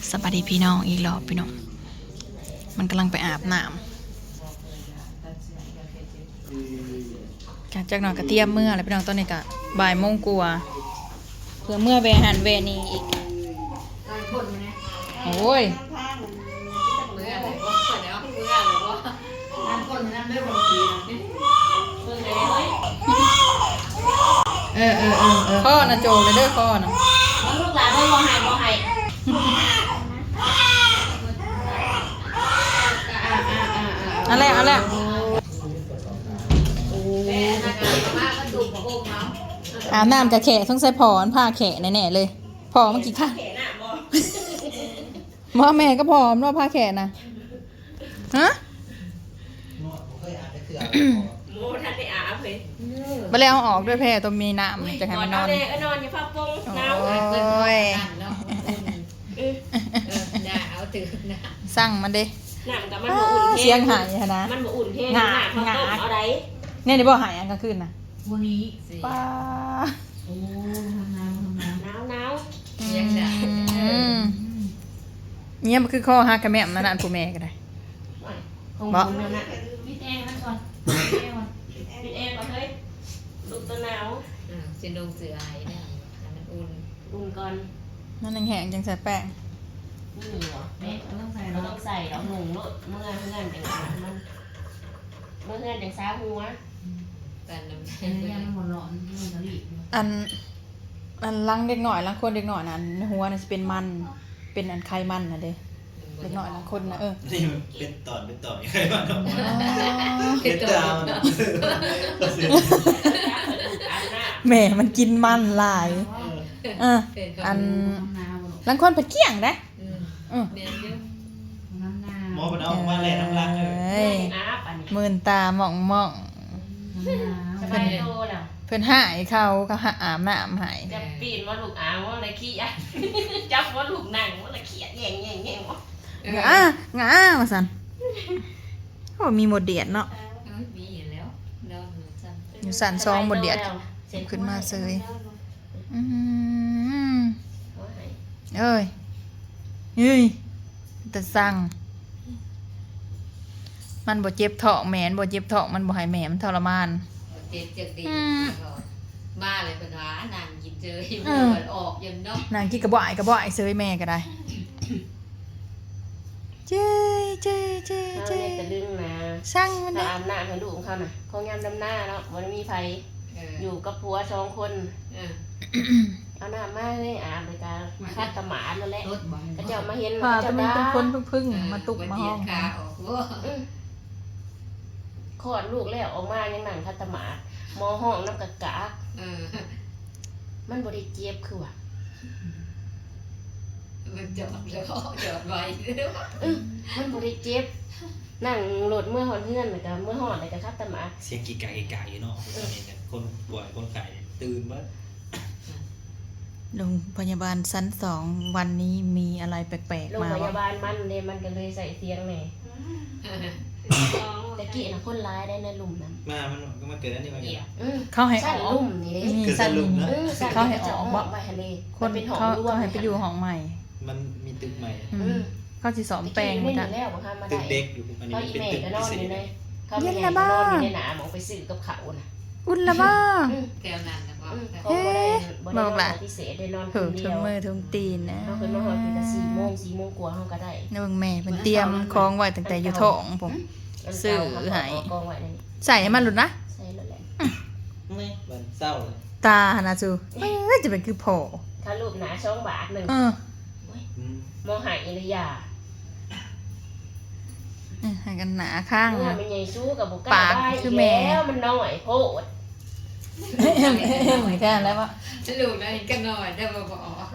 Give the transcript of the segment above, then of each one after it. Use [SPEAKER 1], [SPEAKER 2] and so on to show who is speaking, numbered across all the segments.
[SPEAKER 1] สวัสดีพี่น้องอีกรอบพี่น้องมันกำลังไปอาบน้ำจากหน่อยกระเทียมเมื่ออะไรพี่น้องตอนนี้ก็บ่ายโมงกว่าเพื่อเมื่อเวหันเวนี้อีกโอ้ยข้อนะโจเลยเด้อข้อนะ
[SPEAKER 2] ลูกหลานเพิ่งบ่ให้
[SPEAKER 1] อะไรอาบน้ำกับแขะต้องใส่ผอนผ้าแขะแน่ๆเลยผอมันกี่ข้างหมอแม่ก็ผอมว่าผ้าแขะนะฮะ
[SPEAKER 2] โมทันได้อาบเลย
[SPEAKER 1] ไปแล้วเอาออกด้วยแพรตัวมีน้ำจะให้มันนอน
[SPEAKER 2] นอนอยู่ผ้าปงหนาว
[SPEAKER 1] โอ้ย
[SPEAKER 3] เอาตื่นนะ
[SPEAKER 1] สั่งมันดิ
[SPEAKER 2] หนังกับมันบ่อุ่น
[SPEAKER 1] เสียงหายนะ
[SPEAKER 2] มันบ่อุ่นเท่หนาเขาต้มเอาได้
[SPEAKER 1] เนี่ยเดี๋ยวบอกหายอันกลางคืนนะ
[SPEAKER 3] วันนี้
[SPEAKER 1] ป้า
[SPEAKER 3] โอ้ห
[SPEAKER 2] หนาว
[SPEAKER 3] เสียงดัง
[SPEAKER 1] เนี่ยมันคือข้อหักกระแม่นั่นน่ะผู้แม่ก็ได้
[SPEAKER 2] บอกนะ
[SPEAKER 3] ปิดแอร์มันก่อน
[SPEAKER 2] ปิดแอร์ก่อนเฮ้ยลูกตัวหนาว
[SPEAKER 3] จะลงเสือไอ้เนี่ยมัน
[SPEAKER 2] อุ่นก่อน
[SPEAKER 1] นั่นแห้งๆจังใส่แป้ง
[SPEAKER 2] นี่เหรอแม่ต้องใส่เราหนุ่มรถเมื่อจังมันเมื่อจังซ้าหัว
[SPEAKER 3] แต่น้ำยังหมดร้อนมันจะรีบ
[SPEAKER 1] อันลังเด็กหน่อยลังคนเด็กหน่อยนั้นหัวน่ะจะเป็นมันเป็นอันไขมันนะเด้เด็กหน่อยลังคนนะ
[SPEAKER 4] นี่มันเป็นตอนยังไงบ้างเป็นตอน
[SPEAKER 1] แม่มันกินมันหลายอันลังคนผัดเกี้ยงได้
[SPEAKER 4] หมอมันเอามาแล่น้ำลายเลย
[SPEAKER 1] มื่นตาหม่อง
[SPEAKER 2] สบายโตแล้ว
[SPEAKER 1] เพิ่นหายเขาอาบน้ำหาย
[SPEAKER 2] จะปีนว่าลูกอาว่าอะไรขี้อ่ะจับว่าลูกหนังว่าอะไรขี้แง่วะ
[SPEAKER 1] งามาสั่นโอ้มีหมดเดียดเนาะ
[SPEAKER 3] มีอยู่แล้ว
[SPEAKER 1] อยู่สั่นซองหมดเดียดขึ้นมาเซยเอ้ยแต่สั่งมันบ่เจ็บท้องแม่นบ่เจ็บท้องมันบ่ให้แม่มันทรมาน
[SPEAKER 3] เจ็บจักดีมาเลยเป็นว่านางกินเจอเลือดออกยันเนาะ
[SPEAKER 1] นางกินกระบ่อยเซยแม่ก็ได้เจ๊
[SPEAKER 2] จะดึงนะ
[SPEAKER 1] สั่งมัน
[SPEAKER 2] อาบน้ำให้ลูกของเขาน่ะเขายามดำหน้าเนาะมันมีไฟอยู่กับผัว2 คนเอาน้ำมาเลยอาบเลยการคัดตะหมาแล้วแหละก็จะมาเห็น
[SPEAKER 1] ว่าจะเป็นคนพึ่งมาตุกมาห้อง
[SPEAKER 2] คลอดลูกแล้วออกมายังนั่งคัดตะหมาหมอห้องน้ำกะกะมันบ่ได้เจ็บคือว่า
[SPEAKER 3] มันจอดแล้วจอดไว้
[SPEAKER 2] มันบ่ได้เจ็บนั่งรถเมื่อหอนเพื่อนแล้วก็เมื่อหอนแล้วก็คัดตะหมา
[SPEAKER 4] เสียงกี่ไก่อยู่เนาะคนป่วยคนไข้ตื่นมั้ย
[SPEAKER 1] โรงพยาบาลชั้น2วันนี้มีอะไรแปลกๆมา
[SPEAKER 2] โรงพยาบาลมันก็เลยใส่เสียงแหน่แต่กี้น่ะคนร้ายได้ในหลุมนั้น
[SPEAKER 4] มันก็มาเกิดอันนี้มาเกี่ยว
[SPEAKER 1] เขาให้ออก
[SPEAKER 2] หลุมนี่
[SPEAKER 1] เด้สั่นหลุม
[SPEAKER 2] เขาให้ออกบ่ไปทะเล
[SPEAKER 1] คนเป็นห้องรวมเขาให้ไปอยู่ห้องใหม่
[SPEAKER 4] มันมีตึกใหม่
[SPEAKER 1] เขาสิสอมแปลง
[SPEAKER 2] มัน
[SPEAKER 1] จ้ะ
[SPEAKER 4] ตึกเด็กอยู่อันนี้เป็นตึกพิเศษ
[SPEAKER 2] เขาไม่ให้นอนอยู่ในหนามองไปซื้อกับเขาน่ะ
[SPEAKER 1] อุ่นละบ้า
[SPEAKER 3] แก้วนั้นนะบ่
[SPEAKER 1] บอกล่ะ
[SPEAKER 2] พิเศษได้นอน
[SPEAKER 1] คนเดียวมือถึงตีนนะ
[SPEAKER 2] เฮาขึ้นมาฮอดเป็น4 โมงกว่าเฮาก็ได้
[SPEAKER 1] เบิ่งแม่เพิ่นเตรียมของไว้ตั้งแต่อยู่ท้องผมซื้อให้ใส่ให้มันหลุดนะ
[SPEAKER 2] ใส่แล้วแหละ
[SPEAKER 4] นี่มันเศร้าเลย
[SPEAKER 1] ตาหนะจูจะเป็นคือพ่อ
[SPEAKER 2] ถ้ารูปหนา2 บาทนึงมองหายอิริยา
[SPEAKER 1] ให้กันหนาข้าง
[SPEAKER 2] นะมันใหญ่สู้กับบ่กล้าได้คือแม่มันน้อยโพด
[SPEAKER 1] เหมือนกันแล้วว่า
[SPEAKER 3] ลูกนะเห็นกันหน่อยได้บ่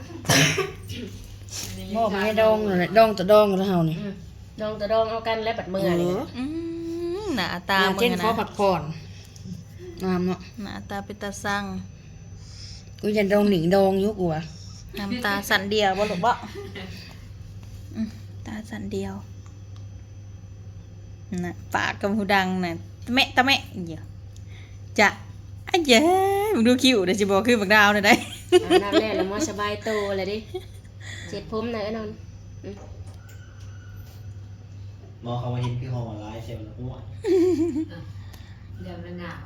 [SPEAKER 2] บ่ไม่ดองเลยดองตะดองแล้วเฮานี่ดองตะดองเอากันแล้วบัดมื้อนี่
[SPEAKER 1] หน้าตา
[SPEAKER 2] มึงนะขอพักผ่อนงามเนาะ
[SPEAKER 1] หน้าตาเป็นตาสั่ง
[SPEAKER 2] กูจะดองหนิงดองอยู่กูอ่ะ
[SPEAKER 1] น้ำตาสั่นเดียวบ่ลูกบ่ตาสั่นเดียวน่ะปากกับหูดังน่ะตะแม่เดี๋ยวจะอ้เย้มึงดูคิวเดี๋ยวสิบอกคือบักดาวน่ะได้
[SPEAKER 2] น้ำแร่แล้วมอสบายโตเลยดิเจ็ดผมไหนนอน
[SPEAKER 4] มองเขามาเห็นคือห้องออนไลน์เซลล์แล้วหัว
[SPEAKER 3] เดี๋ยวมันหนาว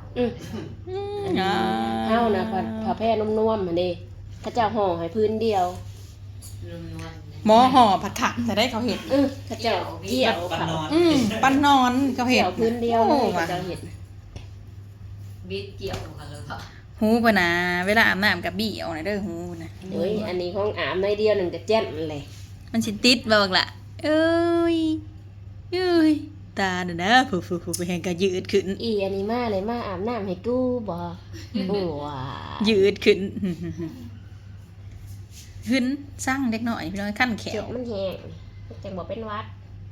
[SPEAKER 2] เฮานะผ้าแพร่นุ่มๆหั่นเด้เขาเจ้าห่อให้พื้นเดียว
[SPEAKER 3] นุ่มนวล
[SPEAKER 1] หมอห่อผัดขักแต่ได้เขาเห็ด
[SPEAKER 2] เขาเจ้าเกี่ยว
[SPEAKER 4] ปัน
[SPEAKER 2] เขา
[SPEAKER 4] นอน
[SPEAKER 1] ปั้นนอนเขาเห็
[SPEAKER 2] เกี่
[SPEAKER 1] ด
[SPEAKER 2] ยวพื้นเดียว
[SPEAKER 1] โอ้
[SPEAKER 2] เลย
[SPEAKER 1] ว่ะ
[SPEAKER 2] เขาเจ้าเห็ด
[SPEAKER 3] บิดเกี่ยวกันเลยค่ะ
[SPEAKER 1] หูปะนะเวลาอาบน้ำกับบี้เอาหน่อยเด้อหูนะ
[SPEAKER 2] เฮ้ยอันนี้ของอาบในเดียวหนึ่งจะแจ้นเลย
[SPEAKER 1] มันสิติดบ่บักละเอ้ยเอ้ยตาเด้อนะผู้ไปแหงก็ยืดขึ้น
[SPEAKER 2] อีอันนี้มาเลยมาอาบน้ำให้กูบ่โอ้ว้า
[SPEAKER 1] ยืดขึ้นขึ้นสร้างเด็กหน่อยพี่น้อยขั้นแข
[SPEAKER 2] เจ็
[SPEAKER 1] ว
[SPEAKER 2] บมันแห้งจังบอกเป็นหวัด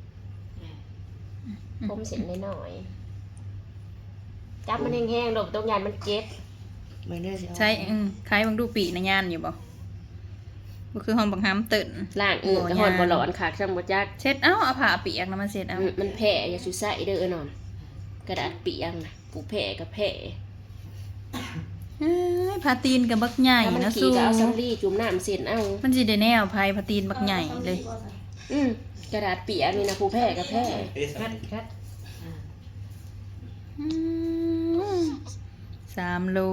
[SPEAKER 2] ผมเสร็จน้อยๆจับมันแห้งๆดอกตรงยานมันเจ็บ
[SPEAKER 1] ใช่คล้ายบางดูปีในงานอยู่บ่บ่คือห้องบังคับตื่น
[SPEAKER 2] ล้างกระหอนบ่หลอนขาดจังบ่จัก
[SPEAKER 1] เช็ดเอาผ้าเปียกนะมาเช็ดเอา
[SPEAKER 2] มันแผลอย่าสุใส่เด้อนอน กระดาษเปียกนะปูแผลกับแผล
[SPEAKER 1] เอ้ยผ้าตีนกับบักใหญ่
[SPEAKER 2] ถ้ามัน
[SPEAKER 1] นะ
[SPEAKER 2] ขี่
[SPEAKER 1] สู้
[SPEAKER 2] ก็เอาซัมรี่จุ่มน้ำเส้นเอา
[SPEAKER 1] มันสิได้แนวภัยผ้าตีนบักใหญ่เลย
[SPEAKER 2] กระดาษเปียกนี่นะปูแผลกับแผล
[SPEAKER 4] เอ๊ะสัก
[SPEAKER 1] 3 โล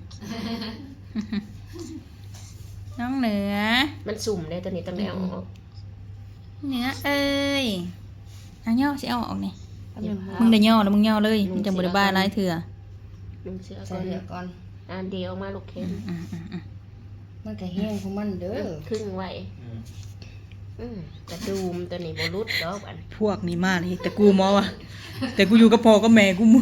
[SPEAKER 1] น้องเหนือ
[SPEAKER 2] มันสุ่มได้ตัวนี้ต้องได้เอาออก
[SPEAKER 1] เหนือเอ้ยเอาย่อสิเอาออกนี่มึงได้ย่อแล้วมึงย่อเลยมึงจังบ่ได้บ้าหลายเถื่อ
[SPEAKER 2] ลุงเสือ
[SPEAKER 5] ใส่เหลือก่อน
[SPEAKER 2] อันเดียวมาลูกเข็ม
[SPEAKER 5] มันก็แห้งของมันเด้อ
[SPEAKER 2] ครึ่งไว้กระดูมตัวนี้บ่รุดดอกอัน
[SPEAKER 1] พวกนี้มาเลยแต่กูมอว่ะแต่กูอยู่กับพ่อกับแม่กูมึง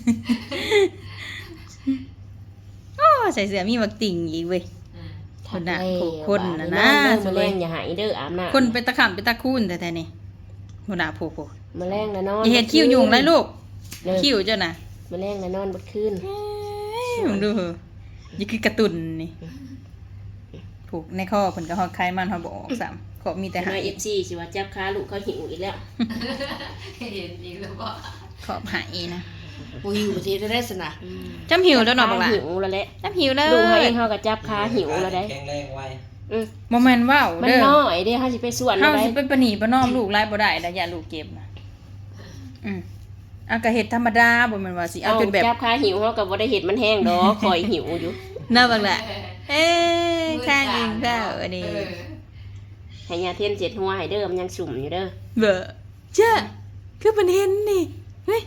[SPEAKER 1] อ้อใส่เสื้อมีบักติ่งอีกเว้ย คนน่ะคนน่ะนะ
[SPEAKER 2] มาแรงอย่าหายเด้ออาบน้ำ
[SPEAKER 1] คนเป็นตะขำเป็นตะคูนแต่นี่หัวหน้าโผล่
[SPEAKER 2] มาแรงนะนอน
[SPEAKER 1] อย่าเห็ดคิ้วยุงไรลูก
[SPEAKER 2] เด้อ
[SPEAKER 1] คิ้วเจ้าน่ะ
[SPEAKER 2] มาแรงนะนอนบดคืน
[SPEAKER 1] เอ้ยมึงดูเหอะนี่คือกระตุนนี่ผูกในข้อเพิ่นก็ฮอดไข่มันฮอดบ่ออกซ้ำขอมีแต่
[SPEAKER 2] แต่
[SPEAKER 1] หา
[SPEAKER 2] หาย FC สิว่าจับขาลูกเขาหิวอีกแล้ว
[SPEAKER 3] เห็นอีกแล้วว่า
[SPEAKER 1] ขอบหายนะ
[SPEAKER 5] บ่อยู่ประเทศได้สนะ
[SPEAKER 1] จำหิวแล้วเนาะบักล่ะ
[SPEAKER 2] หิวแล้วแหละ
[SPEAKER 1] จำหิวเลย
[SPEAKER 2] ลูกเขาเองเขาก็จับขาหิวแล้วได้
[SPEAKER 4] แข็งแรงไว
[SPEAKER 1] บ่แม่นว้าว
[SPEAKER 2] มัน
[SPEAKER 1] เด้อ
[SPEAKER 2] น้อยเด้เฮาสิไปสวน
[SPEAKER 1] เฮา
[SPEAKER 2] ได้
[SPEAKER 1] สิเป็นปะหนีปะน้อมลูกไล่บ่ได้ดอกอย่าลูกเก็บนะเอาก็เฮ็ดธรรมดาบ่แม่นว่าสิเอาจนแบบ
[SPEAKER 2] จับขาหิวเฮาก็บ่ได้เห็ดมันแห้งดอกคอยหิวอยู่
[SPEAKER 1] เนาะบักล่ะเอ้ยข้างอิงเด้ออันนี้
[SPEAKER 2] ให้ยาเทียนเจ็ดหัวให้เด้อมันยังสุ่มอยู่เด้อ
[SPEAKER 1] เบ้อเจ้าคือมันเห็นนี่เฮ้ย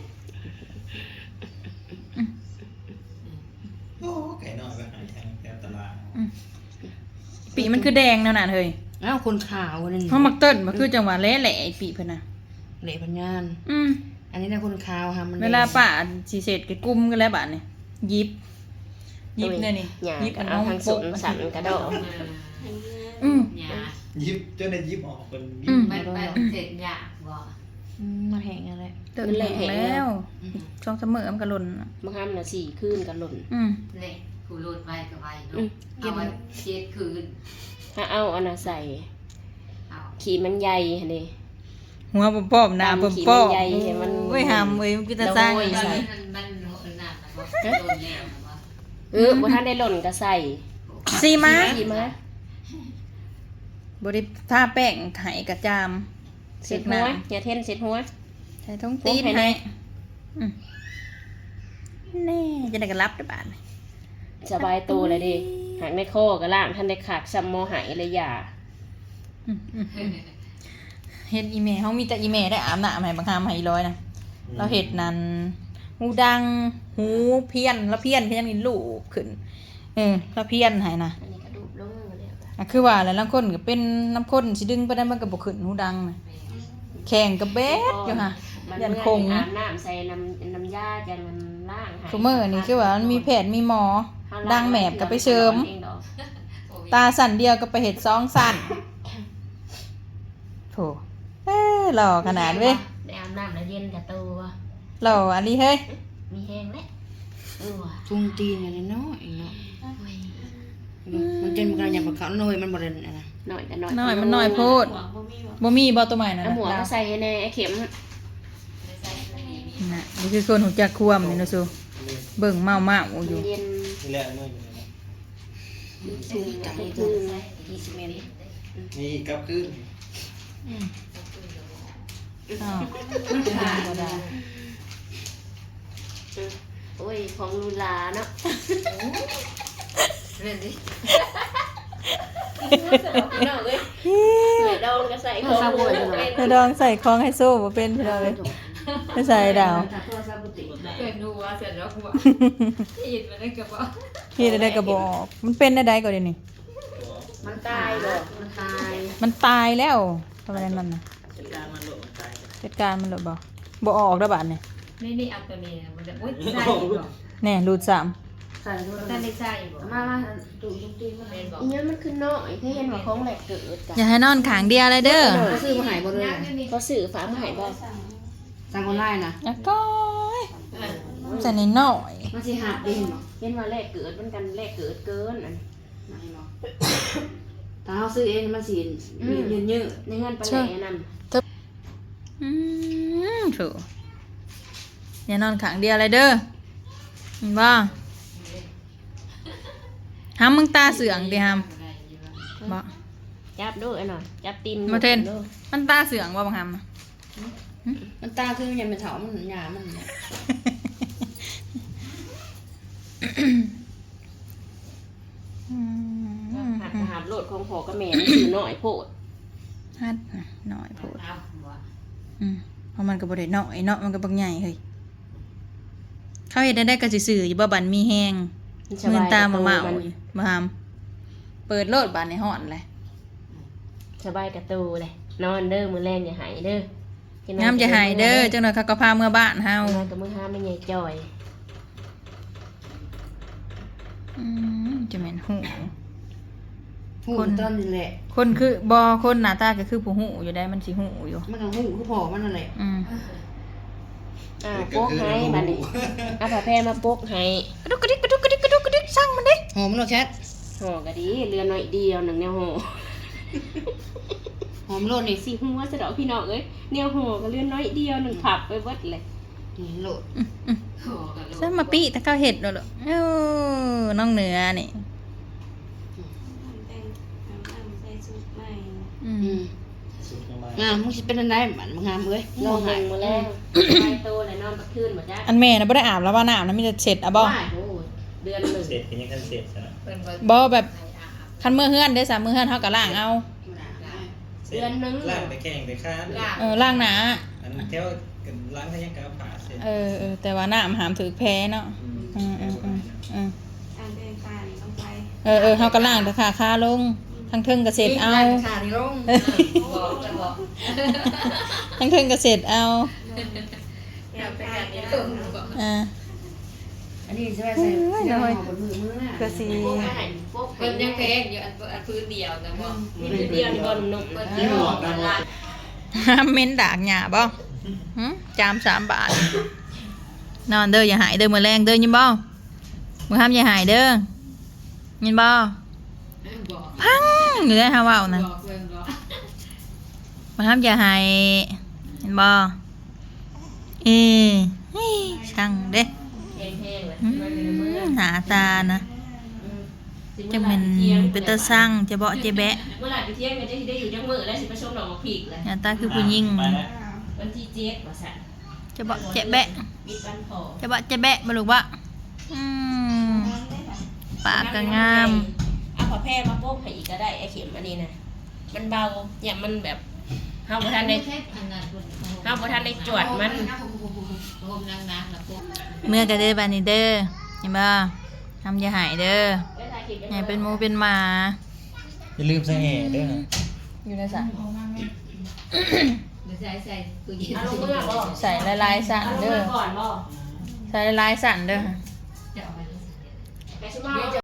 [SPEAKER 4] โอ้ไก่น้อยไปหายแถวตลาด
[SPEAKER 1] ปีมันคือแดงแนวนั้นเฮ้ย
[SPEAKER 5] อ้าวคนขาวนั่น
[SPEAKER 1] เฮามักเติ้นมันคือจังหวะแหละๆไอ้ปีเพิ่นน่ะ
[SPEAKER 5] เหละพันยาน อันนี้นะคนขาวค่ะมัน
[SPEAKER 1] เวลาป้าสิเสร็จก็กุมกันแล้วบาดนี่ยิบเนี่ยนี่
[SPEAKER 2] หยา
[SPEAKER 1] ยิบ
[SPEAKER 2] ก็
[SPEAKER 1] อัน
[SPEAKER 2] เอา
[SPEAKER 1] น้อง
[SPEAKER 2] ทาง
[SPEAKER 1] โป
[SPEAKER 2] สุ
[SPEAKER 1] ก
[SPEAKER 2] นสันกระโดด
[SPEAKER 3] หยา
[SPEAKER 4] ยิบจนได้ยิบออกคนยิ
[SPEAKER 3] มันเสร็จหยาบ่
[SPEAKER 5] มันแห้งอะไร
[SPEAKER 1] เติมแหลกแล้วช่องเสมอมันก็หล่นน่ะ
[SPEAKER 2] บางครั้งน่ะ4คืนก็หล่น
[SPEAKER 3] เลยกูรูดไว้ก็ไว้เนาะเอาไว้เจ็ดคืน
[SPEAKER 2] ถ้าเอาอันน่ะใส่
[SPEAKER 3] เอา
[SPEAKER 2] ขี้มันใหญ่หั่นเด้
[SPEAKER 1] หัวป้อมๆหน้าป้อม
[SPEAKER 2] ตามขีดมันใหญ่ให้มัน
[SPEAKER 1] โอ้ยหามเอ้ยมันคือตาสร้าง
[SPEAKER 2] โอ้ย
[SPEAKER 3] มัน
[SPEAKER 2] ใส่
[SPEAKER 3] มันหนักนะว่าโดนแล้วนะว่า
[SPEAKER 2] บ่ทันได้หล่นก็ใส่
[SPEAKER 1] ซีมา
[SPEAKER 2] ขี้มา
[SPEAKER 1] บ่ได้ทาแป้งไห้กระจาม
[SPEAKER 2] เสร็จหัวอย่าเทนเสร็จหัว
[SPEAKER 1] ใส่ท้องตีน
[SPEAKER 2] โอ้ยให้แน่
[SPEAKER 1] ให้แน่จะได้กันรับได้บาด
[SPEAKER 2] สบายตัวเลยดิหากในคอก็ล่างท่านได้ขากซ้ำมอหายเลยอย่า
[SPEAKER 1] เฮ็ดอีเมลเฮามีแต่อีเมลได้อาบน้ำให้บางคำให้อีร้อยนะเราเฮ็ดนั่นหูดังหูเพี้ยนแล้วเพี้ยนนี่ลูกขึ้นแล้วเพี้ยนให้นะ
[SPEAKER 2] อันนี้กระดูกลงมาแล้ว
[SPEAKER 1] อ่ะคือว่าแล้วลางคนก็เป็นน้ำข้นสิดึงไปได้มันก็บ่ขึ้นหูดังนะแข่งกับเบสอยู่ค่ะ
[SPEAKER 2] มัน
[SPEAKER 1] ยัน
[SPEAKER 2] เมื่
[SPEAKER 1] คง
[SPEAKER 2] อาบน้ำใส่น้ำยาจังมันล่างหาย
[SPEAKER 1] ซุมื้อนี่คือว่ามันมีแพทย์มีหมอ ดังแหมบก็ไปเสริม ตาสั่นเดียวก็ไปเฮ็ด2สั่นโถหล่อขนาดเว้ย
[SPEAKER 2] ได้อาบน้ำแล้วเย็นกับตัว
[SPEAKER 1] หล่ออันนี้เฮ้ย
[SPEAKER 2] มีแห้งแล้วว่ะ
[SPEAKER 5] จุงตีนอะไรน้อยเนาะมันจนมันกำลังอยากมาเขาหน่อยมันบ่ได้นะ
[SPEAKER 2] หน่อยกันหน่อย
[SPEAKER 1] น้อยมันน้อยโพดบ่มีบ่ตัวใหม่นั่น
[SPEAKER 2] เอา
[SPEAKER 1] น่ะ
[SPEAKER 2] หัวก็ใส่ให้แน่ไอ้เข็ม
[SPEAKER 1] น่ะนี่คือคนหูจักควมนี่นะซูเบิ่งเมาอยู่
[SPEAKER 2] เย็น
[SPEAKER 4] นี่แหละมือ
[SPEAKER 2] สูงอะไรคือ
[SPEAKER 5] 20เมตร
[SPEAKER 4] นี่กับขึ้น
[SPEAKER 1] อ้าวบ่ได้
[SPEAKER 2] โอ้ยของลูลาเนาะ
[SPEAKER 3] เรื่องนี้
[SPEAKER 2] เนาะเอ้ยใส่ดองก็ใส่ของเป็น
[SPEAKER 1] จะดองใส่ของให้โซ่บ่เป็นพี่น้องเอ้ยไม่ใส่ดาว
[SPEAKER 3] เกิดดูว่าเสร็จแล้วกูว่ายินมาได้กับว่า
[SPEAKER 1] เฮ็ดได้ก็บ่ออกมันเป็นได้ก็เดี๋ยวนี้
[SPEAKER 2] มันตายดอกมันตาย
[SPEAKER 1] มันตายแล้วทำไมมันน่ะ
[SPEAKER 4] จัดการมันโลกมันตาย
[SPEAKER 1] จัดการมันเลยบ่ออกแล้วบาดนี่
[SPEAKER 3] นี่เอาตัวนี้มันจะโอ๊ยใช่อีกหรอ
[SPEAKER 1] แน่รูด3
[SPEAKER 5] ใส่ด้วย
[SPEAKER 3] แต่ไม่ใช่อีกหรอ
[SPEAKER 5] มาดูลูกตีมา
[SPEAKER 3] เป็นบอก
[SPEAKER 2] อีนี้มันคือน้อยเคยเห็นว่าของแหลกเกิดกัน
[SPEAKER 1] อย่าให้นอนขางเดียวเลยเด้อ
[SPEAKER 5] เขาซื้อมาหายบ่เลย
[SPEAKER 2] เขาสื่อฝามาให้บ่
[SPEAKER 5] สั่งออนไลน์นะ
[SPEAKER 1] แล้วก็ใส่นิดหน่อย
[SPEAKER 5] มันสิหักได้เห็นบ่
[SPEAKER 2] เห็นว่าแหลกเกิดมันกันแหลกเกิดเกินอัน
[SPEAKER 5] มาให้บ่ถ้าเฮาซื้อเองมันสิยืด
[SPEAKER 2] ในเงินปลาแหล่นั่น
[SPEAKER 1] ถูกอย่านอนขางเดียวเลยเด้อเห็นบ่ห้ามมึงตาเสื่องดิห้ามบ่
[SPEAKER 2] จับด้วยหน่อยจับตีน
[SPEAKER 1] มาเทนมันตาเสื่องว่าบังห้าม
[SPEAKER 5] ๆมันตาคือมันยังเป็นเถามันหยามัน
[SPEAKER 2] หัดโหลดของพอกับแม่มันคือน้อยโพด
[SPEAKER 1] ฮัดหน่อยโพด
[SPEAKER 3] เอาหัว
[SPEAKER 1] เพราะมันก็บ่ได้น้อยเนาะมันก็บักใหญ่เฮ้ยเขาเฮ็ดได้ก็สิซื้ออยู่บ่บันมีแฮงเงินตามาเมาอยู่บ่ห้ามเปิดโลดบานในฮ้อนเลย
[SPEAKER 2] สบายกระตูเลยนอนเด้อมือแรงอย่าหายเด้อ
[SPEAKER 1] น้ำจะหายเด้อจังหน่อยเขาก็พาเมื่อบ้านเฮาน
[SPEAKER 2] อนกับมือห้าไม่ใหญ่จ่อย
[SPEAKER 1] จะแม่นหู
[SPEAKER 5] หูตอนนี้แหละ
[SPEAKER 1] คนคือบ่คนหน้าตาก็คือผู้หูอยู่ได้มันสิหูอยู่
[SPEAKER 5] มันก็หูคือพอมันนั่นแหละ
[SPEAKER 2] โป๊กให้บัดนี้เอาผ้าแพรมาโป๊กให้
[SPEAKER 1] กระดุกกระดิกกระดุกกระดิกกระดุกกระดิกสั่งมันดิ
[SPEAKER 5] หอมมันหรอแคท
[SPEAKER 2] ห่อกะดีเรือน้อยเดียวหนึ่งแนวห่อ
[SPEAKER 5] หอมโลดนี่
[SPEAKER 2] สิหัวสะดอกพี่น้องเอ้ยแนวห่อก็เรือน้อยเดียวหนึ่งผับไปเบิดเลย
[SPEAKER 5] นี่โลด
[SPEAKER 3] ขอกัน
[SPEAKER 1] ซะมาปิตะเก้าเห็ดเนาะลูกน้องเหนือนี่
[SPEAKER 4] สุดยังไง
[SPEAKER 5] มึงสิเป็นอันใดบัดมึงงามเอ้ย
[SPEAKER 2] ลองหนึ่งมาแล้วไปโตเลยนอนบักคืนหมดจ้ะ
[SPEAKER 1] อันแม่น่ะบ่ได้อาบแล้วว่าน้ำนะมีแต่เสร็จอ่ะบ่
[SPEAKER 2] โอ้ยเดือนหนึ่ง
[SPEAKER 4] เสร็จเป็นยังกันเสร็จซะ
[SPEAKER 3] เป็น
[SPEAKER 1] บ่แบบคันมื้อเฮือนเด้อ3มื้อเฮือนเฮาก็ล้างเอา
[SPEAKER 4] เสร็จล่างไปแข่งไปค้าน
[SPEAKER 1] ล้างหน้า
[SPEAKER 4] อันแถวกันล้างให้ยังกาวผ่าเสร็จ
[SPEAKER 1] แต่ว่าน้ำหามถือแพ้เนาะเฮาก็ล้างแต่ขาคาลงทั้งเทิงก็เสร็จเอา
[SPEAKER 5] ขานี่ลง
[SPEAKER 3] บอกจะบอก
[SPEAKER 1] ทั้งเทิงก็เสร็จเอา
[SPEAKER 3] อยากไปกันนี้ตึงบอก
[SPEAKER 5] อันนี้ใช่ไหมใส่หอมบนมือน่ะ
[SPEAKER 1] ก็สิ
[SPEAKER 2] โป๊กให้โป๊ก
[SPEAKER 3] คนยังเพลงอยู่อันพื้นเดียวนะบอก
[SPEAKER 2] เดียวนี่บอลนุ่ม
[SPEAKER 3] คนที่หอกกันละ
[SPEAKER 1] ห้ามเม้นดากหญ้าบ่จาม3 บาท นอนเด้ออย่าหายเด้อมื้อแรงเด้อยินบ่มื้อห้ามอย่าหายเด้อยินบ่
[SPEAKER 3] บอก
[SPEAKER 1] พังอยู่ได้ฮาเว้านะ
[SPEAKER 3] บอกเรื่องบอก
[SPEAKER 1] มื้อห้ามอย่าหายเห็นบ่เฮ้ยช่างเด้
[SPEAKER 2] แห้งๆเลย
[SPEAKER 1] หน้าตานะจังแม่นเป็นตาสั่งจะเบาะจะแบะ
[SPEAKER 2] เมื่อไหร่ไปเที่ยงกันจะได้อยู่จังมือแล้วสิไปชมดอกมะพริกเลย
[SPEAKER 1] หน้าตาคือผู้หญิง
[SPEAKER 4] ไปแล้ว
[SPEAKER 2] วันที่เจ็ดว่าสั่น
[SPEAKER 1] จะเบาะจะแบะ
[SPEAKER 2] บิดวันพอ
[SPEAKER 1] จะเบาะจะแบะบ่ลูกบ่ปากก็งาม
[SPEAKER 2] เอาผ้าแพร่มาโป๊กให้อีกก็ได้ไอ้เข็มอันนี้นะมันเบาเนี่ยมันแบบเฮาบ่ทันได้
[SPEAKER 3] แค่อันนั้น
[SPEAKER 2] เฮาบ่ทันได้จวดมัน
[SPEAKER 3] โฮมนางนะพวก
[SPEAKER 1] เมื่อก็เด้อบานี้เด้อเห็นบ่ทำอย่าหายเด้ออย่าเป็นหมูเป็นหมา
[SPEAKER 4] อย่าลืมใส่แห่ด้วยนะ
[SPEAKER 1] อยู่ในสระ
[SPEAKER 3] เดี๋ยวใส่ตู้เย็น
[SPEAKER 2] เอาลงเมื่อบ่
[SPEAKER 1] ใส่ลายๆสั่น
[SPEAKER 2] เอาลง
[SPEAKER 1] เด้อ
[SPEAKER 2] เมื่อก่อนบ่
[SPEAKER 1] ใส่ลายๆสั่นเด้อ
[SPEAKER 3] จะเอาไป
[SPEAKER 2] แต่สิมา